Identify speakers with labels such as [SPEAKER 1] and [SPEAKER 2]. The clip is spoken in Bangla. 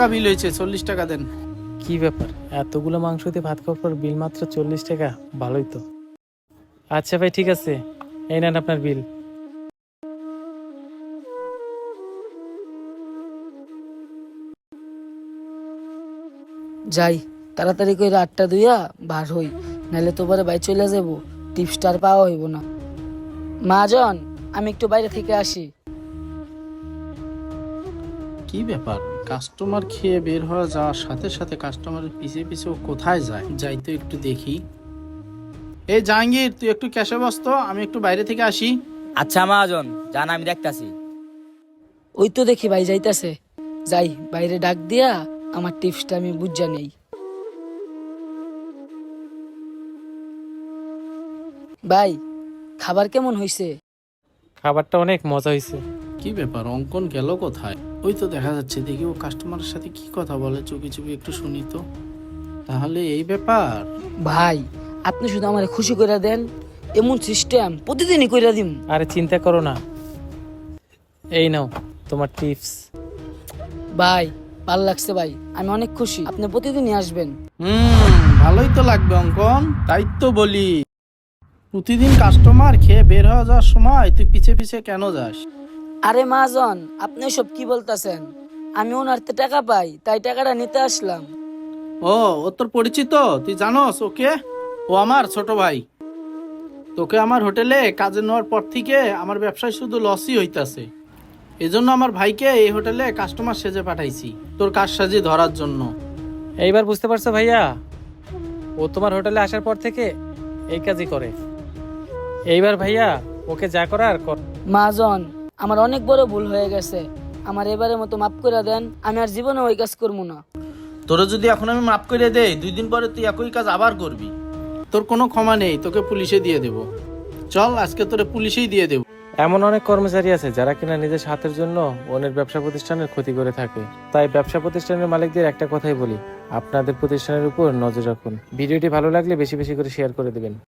[SPEAKER 1] বিল হয়েছে, 40 টাকা দেন।
[SPEAKER 2] কি ব্যাপার, এতগুলো মাংস দিয়ে ভাত খাওয়ার পর বিল মাত্র 40 টাকা? ভালোই তো। আচ্ছা ভাই, ঠিক আছে, এই নেন আপনার বিল।
[SPEAKER 3] যাই তাড়াতাড়ি করে আটটা দুইয়া বার হই, নাহলে তো পরে বাই চলে যাব, টিপসটার পাওয়া হইব না। মাজন, আমি একটু বাইরে থেকে আসি।
[SPEAKER 1] কি ব্যাপার, কাস্টমার খেয়ে বের হওয়া যাওয়ার সাথে সাথে কাস্টমারের পিছে পিছে ও কোথায় যায়? যাই তো একটু দেখি। এই জাহাঙ্গীর, তুই একটু ক্যাশে বসতো, আমি একটু বাইরে থেকে আসি।
[SPEAKER 4] আচ্ছা মহাজন, জান আমি দেখতাছি।
[SPEAKER 3] ওই তো দেখি ভাই যাইতাছে, যাই বাইরে ডাক দিয়া আমার টিপসটা আমি বুঝা নেই। ভাই, খাবার কেমন হইছে?
[SPEAKER 2] খাবারটা অনেক মজা হয়েছে।
[SPEAKER 1] কি ব্যাপার, অঙ্কন গেল কোথায়? ওই তো দেখা যাচ্ছে, দেখি ও কাস্টমারের সাথে কি কথা বলে, চুপি চুপি একটু শুনি তো। তাহলে এই ব্যাপার।
[SPEAKER 3] ভাই, আপনি শুধু আমার খুশি করে দেন, এমন সিস্টেম প্রতিদিনই কইরা দিম।
[SPEAKER 2] আরে চিন্তা করো না, এই নাও তোমার টিপস।
[SPEAKER 3] ভাই, ভালো লাগছে ভাই, আমি অনেক খুশি, আপনি প্রতিদিনই আসবেন।
[SPEAKER 1] ভালোই তো লাগবে অঙ্কন, তাই তো বলি। প্রতিদিন কাস্টমার খেয়ে বের হয়ে যাওয়ার সময় তুই পিছে পিছে কেন যাস?
[SPEAKER 3] আরে মাজন, আপনি সব কি বলতাছেন? আমি ওনার তে টাকা পাই, তাই টাকাটা নিতে আসলাম।
[SPEAKER 1] ও তোর পরিচিত? তুই জানোস ওকে? ও আমার ছোট ভাই। তোকে আমার হোটেলে কাজে নেওয়ার পর থেকে আমার ব্যবসায় শুধু লসই হইতাছে। এজন্য আমার ভাইকে এই হোটেলে কাস্টমার সেজে পাঠাইছি, তোর কাজ সাজি ধরার জন্য।
[SPEAKER 2] এইবার বুঝতে পারছো ভাইয়া, ও তোমার হোটেলে আসার পর থেকে এই কাজই করে। এইবার ভাইয়া ওকে যা করার কর।
[SPEAKER 3] মাজন, আমার অনেক বড় ভুল হয়ে গেছে, আমার এবারের মতো মাফ করে দেন, আমি আর জীবনে ওই কাজ করবো না।
[SPEAKER 1] তোরা যদি এখন আমি মাফ করে দেই, 2 দিন পরে তুই একই কাজ আবার করবি। তোর কোনো ক্ষমা নেই, তোকে পুলিশে দিয়ে দেব। চল, আজকে তোরে পুলিশেই দিয়ে দেব।
[SPEAKER 2] এমন অনেক কর্মচারী আছে যারা কিনা নিজের স্বার্থের জন্য অন্যের ব্যবসা প্রতিষ্ঠানের ক্ষতি করে থাকে। তাই ব্যবসা প্রতিষ্ঠানের মালিকদের একটা কথাই বলি, আপনাদের প্রতিষ্ঠানের উপর নজর রাখুন। ভিডিওটি ভালো লাগলে বেশি বেশি করে শেয়ার করে দেবেন।